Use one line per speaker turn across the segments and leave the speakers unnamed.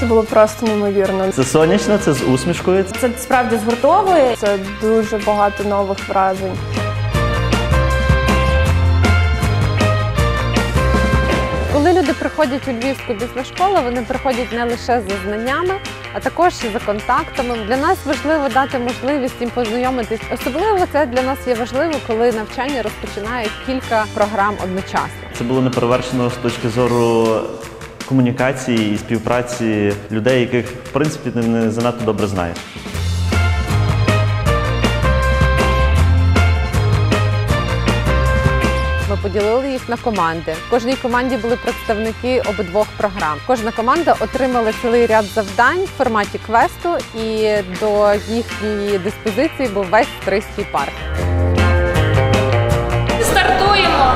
Це було просто неймовірно.
Це сонячно, це з усмішкою.
Це справді згуртовує, це дуже багато нових вражень.
Коли люди приходять у Львівську бізнес-школу, вони приходять не лише за знаннями, а також і за контактами. Для нас важливо дати можливість їм познайомитись. Особливо це для нас є важливо, коли навчання розпочинає кілька програм одночасно.
Це було неперевершено з точки зору комунікації і співпраці людей, яких, в принципі, ти не занадто добре знаєш.
Ми поділили їх на команди. В кожній команді були представники обидвох програм. Кожна команда отримала цілий ряд завдань в форматі квесту, і до їхньої диспозиції був весь Стрийський парк.
Стартуємо!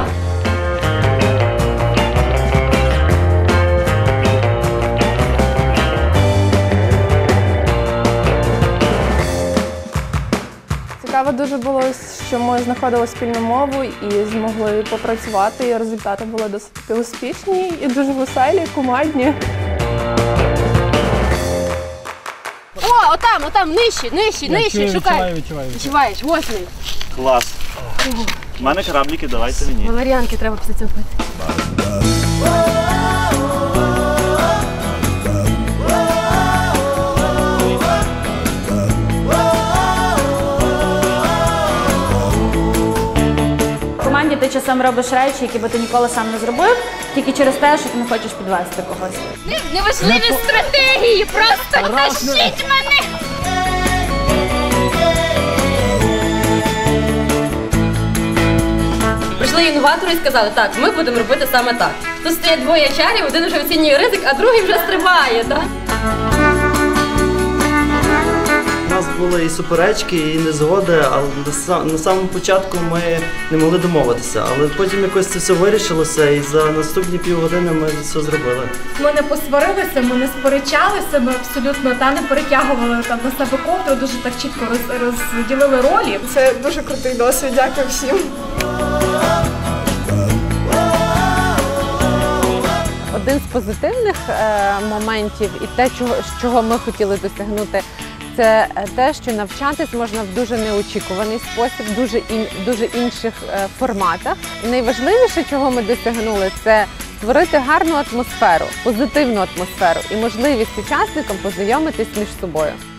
Цікаво дуже було, що ми знаходили спільну мову і змогли попрацювати, і результати були досить таки успішні і дуже веселі, кумедні.
О, отам, нижче, шукай. Відчуваєш, ось він.
Клас. У мене корабліки, давайте мені.
Валеріанки треба після цього пити.
В команді ти часом робиш речі, які би ти ніколи сам не зробив, тільки через те, що ти не хочеш підвести когось.
Неважливі стратегії, просто тащіть мене! Прийшли інноватори і сказали, так, ми будемо робити саме так. Тут стоять двоє чарів, один вже оцінює ризик, а другий вже стрибає, так?
У нас були і суперечки, і незгоди, але на самому початку ми не могли домовитися. Але потім якось це все вирішилося, і за наступні півгодини ми все зробили.
Ми не посварилися, ми не сперечалися, ми абсолютно не перетягували на себе ковдру, дуже так чітко розділили ролі.
Це дуже крутий досвід, дякую всім.
Один з позитивних моментів і те, чого ми хотіли досягнути, це те, що навчатись можна в дуже неочікуваний спосіб, дуже інших форматах. І найважливіше, чого ми досягнули, це створити гарну атмосферу, позитивну атмосферу і можливість учасникам познайомитись між собою.